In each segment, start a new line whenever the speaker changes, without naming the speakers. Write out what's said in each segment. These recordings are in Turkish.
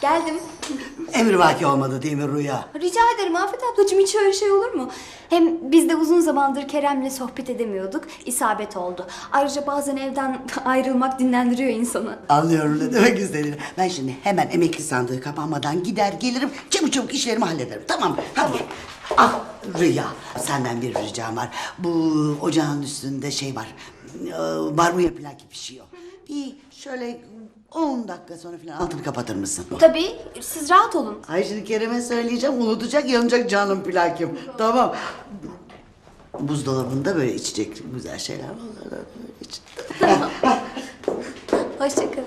Geldim.
Emrivaki olmadı değil mi Rüya?
Rica ederim Afet ablacığım, hiç öyle şey olur mu? Hem biz de uzun zamandır Kerem'le sohbet edemiyorduk. İsabet oldu. Ayrıca bazen evden ayrılmak dinlendiriyor insanı.
Anlıyorum ne demek istediğini. Ben şimdi hemen emekli sandığı kapanmadan gider gelirim. Çabuk çabuk işlerimi hallederim. Tamam mı? Hadi. Ah Rüya, senden bir ricam var. Bu ocağın üstünde şey var. Barbunya plaki pişiyor. Bir şöyle 10 dakika sonra falan altını kapatır mısın?
Tabii, siz rahat olun.
Ay şimdi Kerem'e söyleyeceğim, unutacak, yanacak canım plakim. Tamam. Buzdolabında böyle içecek güzel şeyler var. Böyle
Hoşçakalın.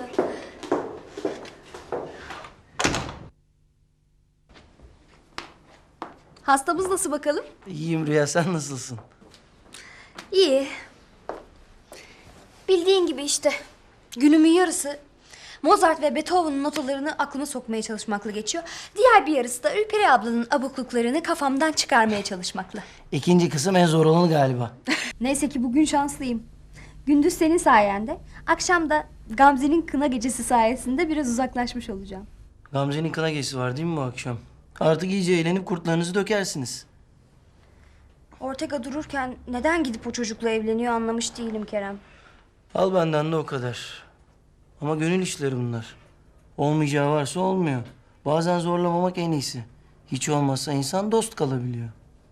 Hastamız nasıl bakalım?
İyiyim Rüya, sen nasılsın?
İyi. Bildiğin gibi işte. Günümün yarısı Mozart ve Beethoven'ın notalarını aklıma sokmaya çalışmakla geçiyor. Diğer bir yarısı da Ülperi ablanın abukluklarını kafamdan çıkarmaya çalışmakla.
İkinci kısım en zor olanı galiba.
Neyse ki bugün şanslıyım. Gündüz senin sayende, akşam da Gamze'nin kına gecesi sayesinde biraz uzaklaşmış olacağım.
Gamze'nin kına gecesi var değil mi bu akşam? Artık iyice eğlenip kurtlarınızı dökersiniz.
Ortega dururken neden gidip o çocukla evleniyor anlamış değilim Kerem.
Al benden de o kadar. Ama gönül işleri bunlar. Olmayacağı varsa olmuyor. Bazen zorlamamak en iyisi. Hiç olmazsa insan dost kalabiliyor.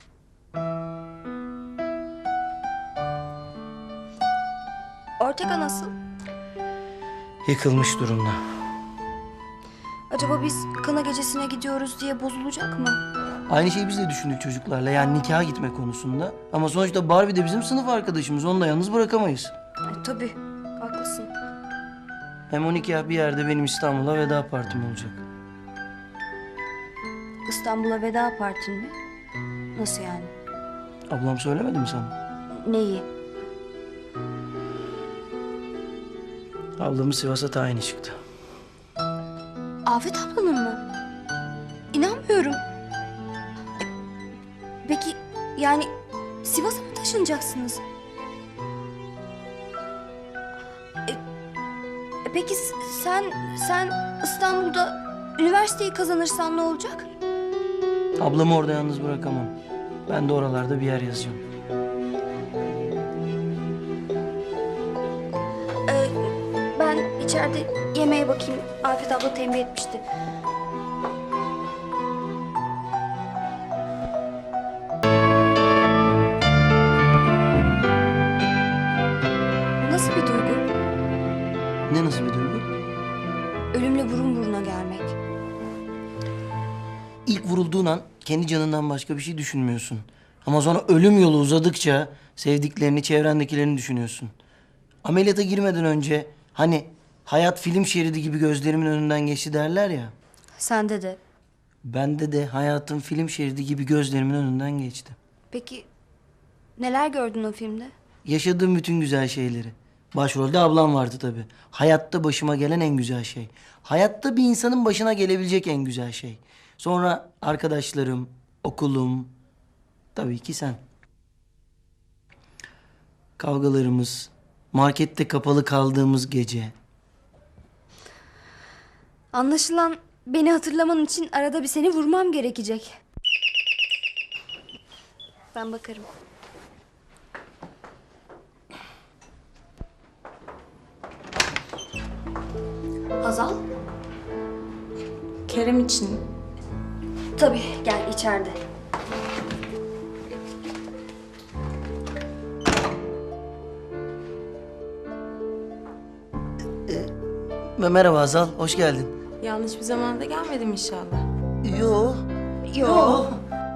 Ortega nasıl?
Yıkılmış durumda.
Acaba biz kına gecesine gidiyoruz diye bozulacak mı?
Aynı şeyi biz de düşündük çocuklarla. Yani nikaha gitme konusunda. Ama sonuçta Barbie de bizim sınıf arkadaşımız. Onu da yalnız bırakamayız.
Tabii, haklısın.
Hem o nikah bir yerde benim İstanbul'a veda partim olacak.
İstanbul'a veda partin mi? Nasıl yani?
Ablam söylemedi mi sana?
Neyi?
Ablamın Sivas'a tayini çıktı.
Afet ablanın mı? İnanmıyorum. Peki yani Sivas'a mı taşınacaksınız? Peki sen İstanbul'da üniversiteyi kazanırsan ne olacak?
Ablamı orada yalnız bırakamam. Ben de oralarda bir yer yazacağım.
Ben içeride yemeğe bakayım. Afet abla tembih etmişti. Bu nasıl bir duygu?
Ne nasıl bir duygu?
Ölümle burun buruna gelmek.
İlk vurulduğun an kendi canından başka bir şey düşünmüyorsun. Ama sonra ölüm yolu uzadıkça sevdiklerini, çevrendekilerini düşünüyorsun. Ameliyata girmeden önce hani hayat film şeridi gibi gözlerimin önünden geçti derler ya.
Sende de.
Bende de hayatın film şeridi gibi gözlerimin önünden geçti.
Peki neler gördün o filmde?
Yaşadığım bütün güzel şeyleri. Başrolde ablam vardı tabii. Hayatta başıma gelen en güzel şey. Hayatta bir insanın başına gelebilecek en güzel şey. Sonra arkadaşlarım, okulum, tabii ki sen. Kavgalarımız, markette kapalı kaldığımız gece.
Anlaşılan beni hatırlaman için arada bir seni vurmam gerekecek. Ben bakarım. Hazal?
Kerem için.
Tabii, gel içeride.
Merhaba Azal, hoş geldin.
Yanlış bir zamanda gelmedim inşallah.
Yo.
Yo.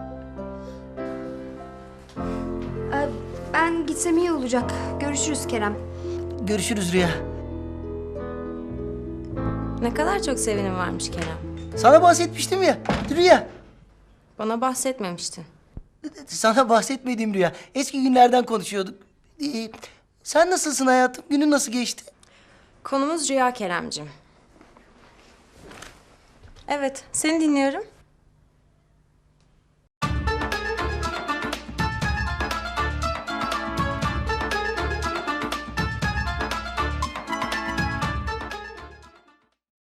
Ben gitsem iyi olacak. Görüşürüz Kerem.
Görüşürüz Rüya.
Ne kadar çok sevenim varmış Kerem.
Sana bahsetmiştim ya, Rüya.
Bana bahsetmemiştin.
Sana bahsetmediğim Rüya. Eski günlerden konuşuyorduk. Sen nasılsın hayatım? Günün nasıl geçti?
Konumuz Rüya Keremcim. Evet, seni dinliyorum.